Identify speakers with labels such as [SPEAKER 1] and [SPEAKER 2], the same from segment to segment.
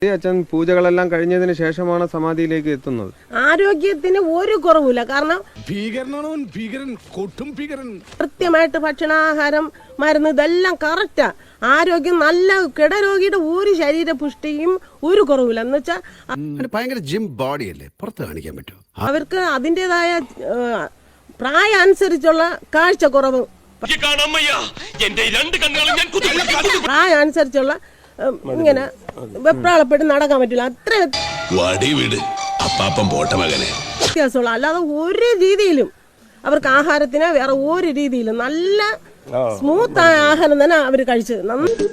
[SPEAKER 1] അച്ഛൻ പൂജകളെല്ലാം കഴിഞ്ഞതിന് ശേഷമാണ് സമാധിയിലേക്ക് എത്തുന്നത്.
[SPEAKER 2] ആരോഗ്യത്തിന് ഒരു കുറവില്ല. കാരണം കൃത്യമായിട്ട് ഭക്ഷണാഹാരം മരുന്ന് ഇതെല്ലാം കറക്റ്റാ. ആരോഗ്യം നല്ല കിടരോഗിയുടെ ഒരു ശരീര പുഷ്ടിയും ഒരു കുറവില്ല. എന്ന് വെച്ചാൽ
[SPEAKER 3] ഭയങ്കര ജിം ബോഡി അല്ലേ, പുറത്ത് കാണിക്കാൻ പറ്റുമോ?
[SPEAKER 2] അവർക്ക് അതിൻ്റെതായ പ്രായം അനുസരിച്ചുള്ള കാഴ്ചക്കുറവ്, പ്രായം അനുസരിച്ചുള്ള ഇങ്ങനെ വെപ്രാളപ്പെട്ട് നടക്കാൻ പറ്റില്ല. അത്ര വ്യത്യാസമുള്ള, അല്ലാതെ ഒരു രീതിയിലും അവർക്ക് ആഹാരത്തിന് വേറെ ഒരു രീതിയിലും നല്ല സ്മൂത്ത് ആയ ആഹാരം തന്നെ അവർ കഴിച്ചത്.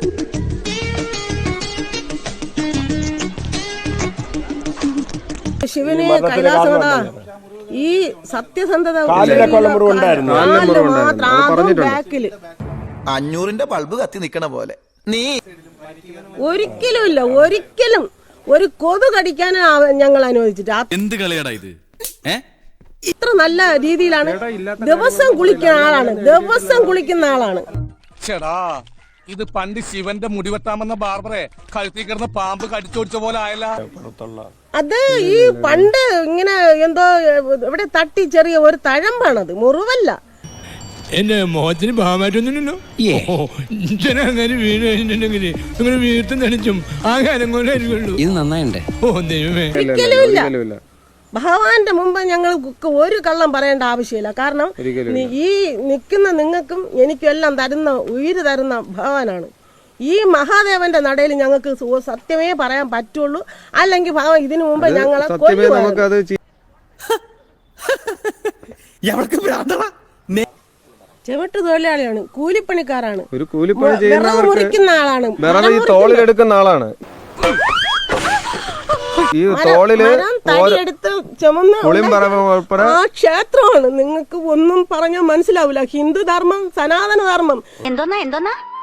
[SPEAKER 2] ശിവന് കൈലാസനട ഈ സത്യസന്ധത ബാക്കില്
[SPEAKER 4] 500-ന്റെ ബൾബ് കത്തി നിക്കണ പോലെ നീ
[SPEAKER 2] ഒരിക്കലും ഇല്ല, ഒരിക്കലും ഒരു കൊതു കടിക്കാൻ ഞങ്ങൾ അനുവദിച്ചിട്ട്.
[SPEAKER 5] എന്ത് കളിയാടാ ഇത്?
[SPEAKER 2] ഇത്ര നല്ല രീതിയിലാണ്. ദിവസം കുളിക്കുന്ന ആളാണ്, ദിവസം കുളിക്കുന്ന ആളാണ്.
[SPEAKER 6] ചേടാ, ഇത് പണ്ട് ശിവന്റെ മുടിവെട്ടാമെന്ന ബാർബറെ കഴുത്തി കിടന്ന പാമ്പ് കടിച്ചോടിച്ച പോലെ ആയല്ല.
[SPEAKER 2] അത് ഈ പണ്ട് ഇങ്ങനെ എന്തോ ഇവിടെ തട്ടി ചെറിയ ഒരു തഴമ്പാണത്, മുറിവല്ല.
[SPEAKER 7] എന്റെ മോഹത്തിന് ഭാവമായിട്ടൊന്നുമില്ലല്ലോ. അങ്ങനെ വീട് കഴിഞ്ഞിട്ടുണ്ടെങ്കിൽ അങ്ങനെ വീട്ടിൽ നനച്ചും ആഹാരം കൊണ്ടായിരിക്കുള്ളൂ.
[SPEAKER 5] ഇത് നന്നായിണ്ടേ.
[SPEAKER 7] ഓ ദൈവമേ,
[SPEAKER 2] ഒരിക്കലും ഇല്ല. ഭഗവാന്റെ മുമ്പ് ഞങ്ങൾക്ക് ഒരു കള്ളം പറയേണ്ട ആവശ്യമില്ല. കാരണം ഈ നിൽക്കുന്ന നിങ്ങൾക്കും എനിക്കും എല്ലാം തരുന്ന ഉയിര് തരുന്ന ഭഗവാനാണ്. ഈ മഹാദേവന്റെ നടയിൽ ഞങ്ങൾക്ക് സത്യമേ പറയാൻ പറ്റുള്ളൂ. അല്ലെങ്കിൽ ഭഗവാൻ ഇതിനു മുമ്പ് ഞങ്ങളെ ചെവിട്ട് തൊഴിലാളിയാണ്, കൂലിപ്പണിക്കാരാണ്,
[SPEAKER 1] ഒരു കൂലിപ്പണി ചെയ്യുന്നവർക്ക്
[SPEAKER 2] മുറിക്കുന്ന ആളാണ്,
[SPEAKER 1] ഈ തോളിലെടുക്കുന്ന ആളാണ്. ഈ തോളില്
[SPEAKER 2] ആ ക്ഷേത്രമാണ്. നിങ്ങൾക്ക് ഒന്നും പറഞ്ഞാൽ മനസ്സിലാവില്ല. ഹിന്ദു ധർമ്മം, സനാതന ധർമ്മം.
[SPEAKER 8] എന്തോന്നാ